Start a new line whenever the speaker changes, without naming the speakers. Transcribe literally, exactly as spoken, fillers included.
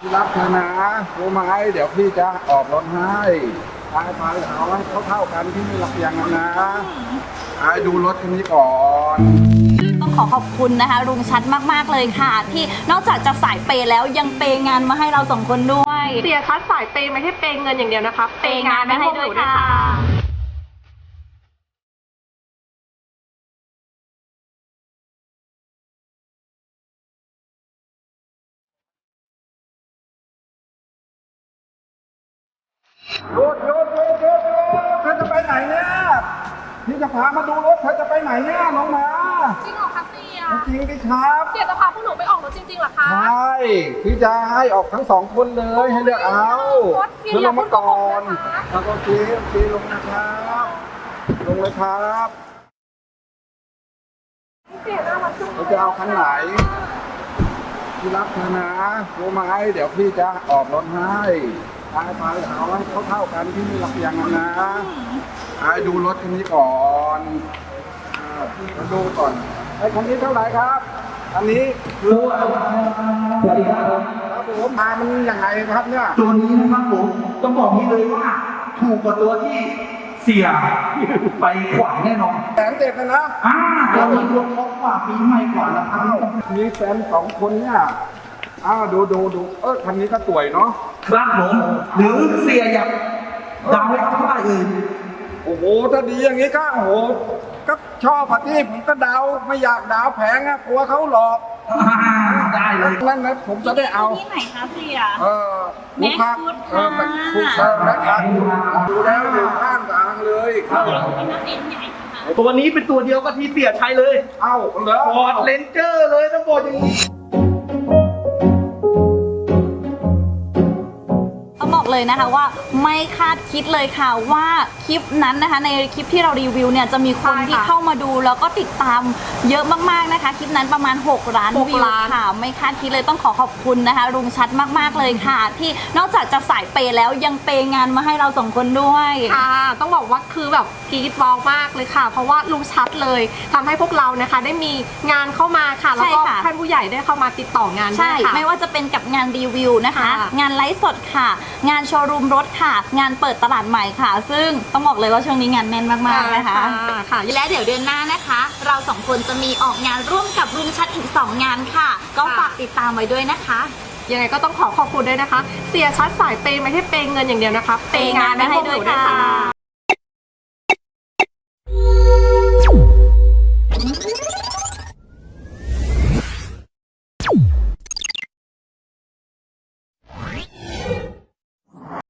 พี่รักเธอนะรู้ไหมเดี๋ยวพี่จะออกรถให้ไปไปเอาให้เท่าๆกันที่ไม่รักอย่างนั้นนะไอ้ดูรถคันนี้ก่อน
ต้องขอขอบคุณนะคะลุงชัดมากๆเลยค่ะ ที่นอกจากจะสายเปย์แล้วยังเปย์งานมาให้เราสองคนด้วย
เสียชัดสายเปย์ไม่ใช่เปย์เงินอย่างเดียวนะคะ
เปย์งานมาให้ด้วยค่ะ
หยุดหยุดหยุดหยุดหยุดเธอจะไปไหนเนี่ยพี่จะพามาดูรถเธอจะไปไหนเนี่ยน้องหมา
จริงเหรอคะเสีย
จริงดิครับ
เสียจะพาพวกหนูไปออกรถจริงๆเหรอคะ
ใช่พี่จะให้ออกทั้งสองคนเลยให้เลือกเอาเธอลงมาก่อนแล้วก็โอเคโอเคลงนะครับลงเลยครับ
เสียน่ารักจังเล
เรา
ย
จะเอาคันไหนพี่รักเธอนะรู้ไหมเดี๋ยวพี่จะออกรถให้ไปไปเอาให้เท่าๆกันที่ไม่รักอย่างนั้นนะไอ้ดูรถคันนี้ก่อนอ่ามาดูก่อนไอ้คันนี้เท่าไหร่ครับอันนี้
สวัสดีครับผม
ครับผมมามันยังไงครับเนี่ย
ตัวนี้นะครับผมต้องบอกนี้เลยว่าถูกกว่าตัวที่เสียไปขวัญแน่นอน
แสนเจ็ดนะนะ
อ่าเรามีรวมครบกว่าปีใหม่กว่าแล้วครับ
อ้าวมีแฟนสองคนเนี่ยอ้าวดูดูดูเออคันนี้ก็สวยเนาะ
ครับผมหรือเสียอยากดาวให้เท่าไหร่เอ่ย
โอ้โหถ้าดีอย่างนี้ก็โอ้โหก็ชอบอะที่ผมก็ดาวไม่อยากดาวแพงอะกลัวเขาหลอก
อ่าได้เลย
นั่นนะผมจะได้เอา
ที่ไหนคะเสีย
เออลูกค้าเออไปถูกเออแม็กซ์ดูแล้วอยู่ข้างทางเลยครับ
ตัวนี้เป็นตัวเดียวกับที่เสียใช้เลย
เอ้าเหรอ
ฟอร์ดเลนเจอร์เลยต้องบอกอย่างนี้
ต้องบอกเลยนะคะว่าไม่คาดคิดเลยค่ะว่าคลิปนั้นนะคะในคลิปที่เรารีวิวเนี่ยจะมีคนที่เข้ามาดูแล้วก็ติดตามเยอะมากๆนะคะคลิปนั้นประมาณหกล้านวิวค่ะไม่คาดคิดเลยต้องขอขอบคุณนะคะลุงชัดมากๆเลยค่ะ ที่นอกจากจะสายเปย์แล้วยังเปย์งานมาให้เราสองคนด้วย
ค่ะต้องบอกว่าคือแบบกรี๊ดว้าวมากเลยค่ะ เพราะว่าลุงชัดเลยทำให้พวกเรานะคะได้มีงานเข้ามาค่ะแล้วก็
ใช่ค่ะ
ท่านผู้ใหญ่ได้เข้ามาติดต่องานด้
ใช่
วยค่ะ
ไม่ว่าจะเป็นกับงานรีวิวนะคะ
ค่ะ
งานไลฟ์สดค่ะ งานโชว์รูมรถค่ะ งานเปิดตลาดใหม่ค่ะ ซึ่งต้องบอกเลยว่าช่วงนี้งานแน่นมากๆนะคะ
ค่ะ
และเดี๋ยวเดือนหน้านะคะ เราสองคนจะมีออกงานร่วมกับลุงชัดอีกสองงานค่ะ ก็ฝากติดตามไว้ด้วยนะคะ
ยังไงก็ต้องขอขอบคุณด้วยนะคะ เสียชัดสายเปย์ไม่ใช่เปย์เงินอย่างเดียวนะคะ
เปย์งานมาให้ด้วยค่ะ